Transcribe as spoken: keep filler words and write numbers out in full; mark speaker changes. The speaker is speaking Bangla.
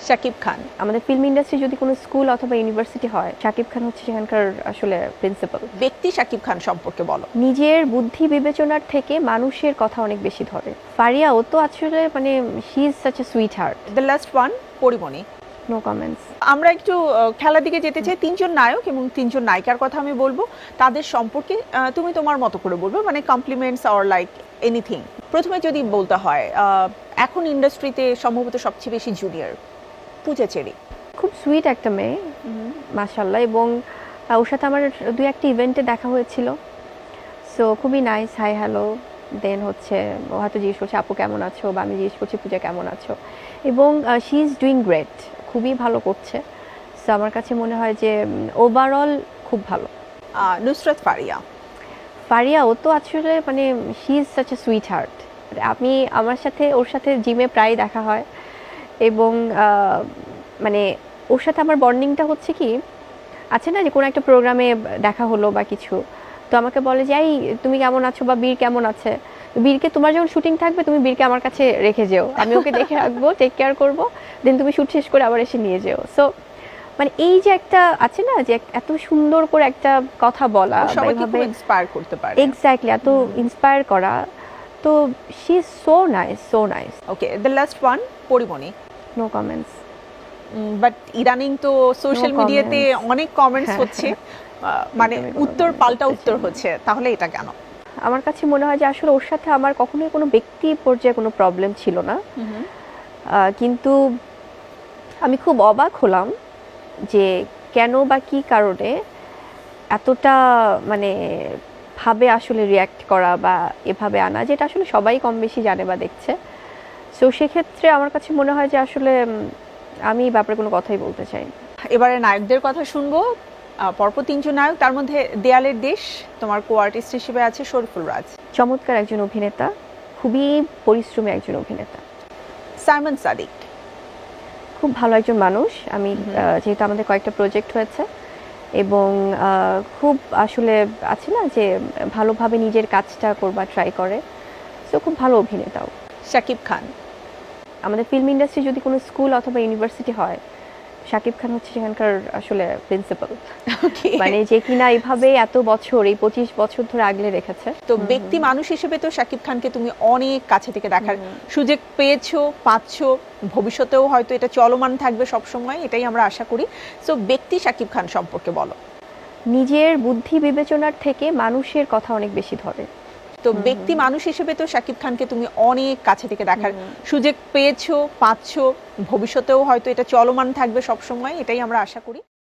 Speaker 1: শাকিব খান।
Speaker 2: আমাদের ফিল্ম ইন্ডাস্ট্রি যদি কোনো স্কুল অথবা ইউনিভার্সিটি হয়, শাকিব খান হচ্ছে সেখানকার আসলে প্রিন্সিপাল।
Speaker 1: ব্যক্তি শাকিব খান সম্পর্কে বলো।
Speaker 2: নিজের বুদ্ধি বিবেচনার থেকে মানুষের কথা অনেক বেশি ধরে। ফারিয়া ও তো আসলে মানে she is such a sweetheart.
Speaker 1: The last one Porimoni.
Speaker 2: No comments.
Speaker 1: আমরা একটু আহ, খেলার দিকে যেতে চাই। তিনজন নায়ক এবং তিনজন নায়িকার কথা আমি বলবো, তাদের সম্পর্কে আহ, তুমি তোমার মতো করে বলবে, মানে কমপ্লিমেন্টস অর লাইক এনিথিং। প্রথমে যদি বলতে হয়, আহ, এখন ইন্ডাস্ট্রিতে সম্ভবত সবচেয়ে বেশি জুনিয়র পূজা চেরি।
Speaker 2: খুব সুইট একটা মেয়ে মাশাআল্লাহ, এবং আহ, ওর সাথে আমার দুই একটা ইভেন্টে দেখা হয়েছিল। সো খুবই নাইস, হাই হ্যালো, দেন হচ্ছে ও হয়তো জিজ্ঞেস করছে আপু কেমন আছো, বা আমি জিজ্ঞেস করছি পূজা কেমন আছো, এবং শি ইজ ডুইং গ্রেট, খুবই ভালো করছে। সো আমার কাছে মনে হয় যে ওভারঅল খুব ভালো।
Speaker 1: আহ, নুসরাত ফারিয়া।
Speaker 2: ফারিয়া ও তো আসলে মানে she is such a sweetheart. আমি আমার সাথে ওর সাথে জিমে প্রায় দেখা হয়, এবং আহ, মানে ওর সাথে আমার বন্ডিংটা হচ্ছে কি, আছে না যে কোনো একটা প্রোগ্রামে দেখা হলো বা কিছু, তো আমাকে বলে যে এই তুমি কেমন আছো, বা বীর কেমন আছে, বীরকে তোমার যখন শুটিং থাকবে তুমি বীরকে আমার কাছে রেখে যেও, আমি ওকে দেখে রাখবো, টেক কেয়ার করবো, দেন তুমি শুট শেষ করে আবার এসে নিয়ে যেও। সো মানে এই যে একটা আছে না যে এত সুন্দর করে একটা কথা বলা,
Speaker 1: সবাইকে খুব ইন্সপায়ার করতে পারে।
Speaker 2: এক্স্যাক্টলি, এত ইন্সপায়ার করা, তো she is so nice, so nice.
Speaker 1: Okay, the last one Porimoni.
Speaker 2: No comments.
Speaker 1: But ইদানিং তো সোশ্যাল
Speaker 2: No
Speaker 1: মিডিয়াতে
Speaker 2: comments.
Speaker 1: অনেক কমেন্টস হচ্ছে, আহ, মানে
Speaker 2: একদমই কোনো
Speaker 1: উত্তর
Speaker 2: comment
Speaker 1: পাল্টা
Speaker 2: করতে
Speaker 1: উত্তর
Speaker 2: চাই না।
Speaker 1: হচ্ছে, তাহলে এটা কেন?
Speaker 2: আমার কাছে মনে হয় যে আসলে ওর সাথে আমার কখনোই কোনো ব্যক্তি পর্যায়ে কোনো প্রবলেম ছিল না, আহ, কিন্তু আমি খুব অবাক হলাম যে কেন বা কী কারণে এতটা মানে ভাবে আসলে রিয়্যাক্ট করা বা এভাবে আনা, যেটা আসলে সবাই কম বেশি জানে বা দেখছে। সো সেক্ষেত্রে আমার কাছে মনে হয় যে আসলে উম, আমি এই ব্যাপারে কোনো কথাই বলতে চাই না।
Speaker 1: এবারে নায়কদের কথা শুনবো। আহ, পরপর তিনজন নায়ক, তার মধ্যে দেয়ালের দেশ, তোমার কো আর্টিস্ট হিসেবে আছে শরীফুল রাজ।
Speaker 2: চমৎকার একজন অভিনেতা, খুবই পরিশ্রমী একজন অভিনেতা।
Speaker 1: সাইমন সাদিক।
Speaker 2: খুব ভালো একজন মানুষ। আমি আহ, যেহেতু আমাদের কয়েকটা প্রজেক্ট হয়েছে, এবং আহ, খুব আসলে আছে না যে ভালোভাবে নিজের কাজটা করবার ট্রাই করে, সো খুব ভালো অভিনেতাও।
Speaker 1: শাকিব খান।
Speaker 2: আমাদের ফিল্ম ইন্ডাস্ট্রি যদি কোনো স্কুল অথবা ইউনিভার্সিটি হয়, শাকিব খান হচ্ছে সেখানকার আসলে প্রিন্সিপাল। মানে যে কিনা এইভাবে এত বছর, এই পঁচিশ বছর ধরে আগলে রেখেছে।
Speaker 1: তো ব্যক্তি মানুষ হিসেবে তো শাকিব খানকে তুমি অনেক কাছে থেকে দেখার সুযোগ পেয়েছো, পাচ্ছো, ভবিষ্যতেও হয়তো এটা চলমান থাকবে সব সময়, এটাই আমরা আশা করি। সো ব্যক্তি শাকিব খান সম্পর্কে বলো।
Speaker 2: নিজের বুদ্ধি বিবেচনার থেকে মানুষের কথা অনেক বেশি ধরে।
Speaker 1: তো ব্যক্তি মানুষ হিসেবে তো শাকিব খানকে তুমি অনেক কাছে থেকে দেখার সুযোগ পেয়েছো, পাচ্ছো, ভবিষ্যতেও হয়তো এটা চলমান থাকবে সব সময়, এটাই আমরা আশা করি।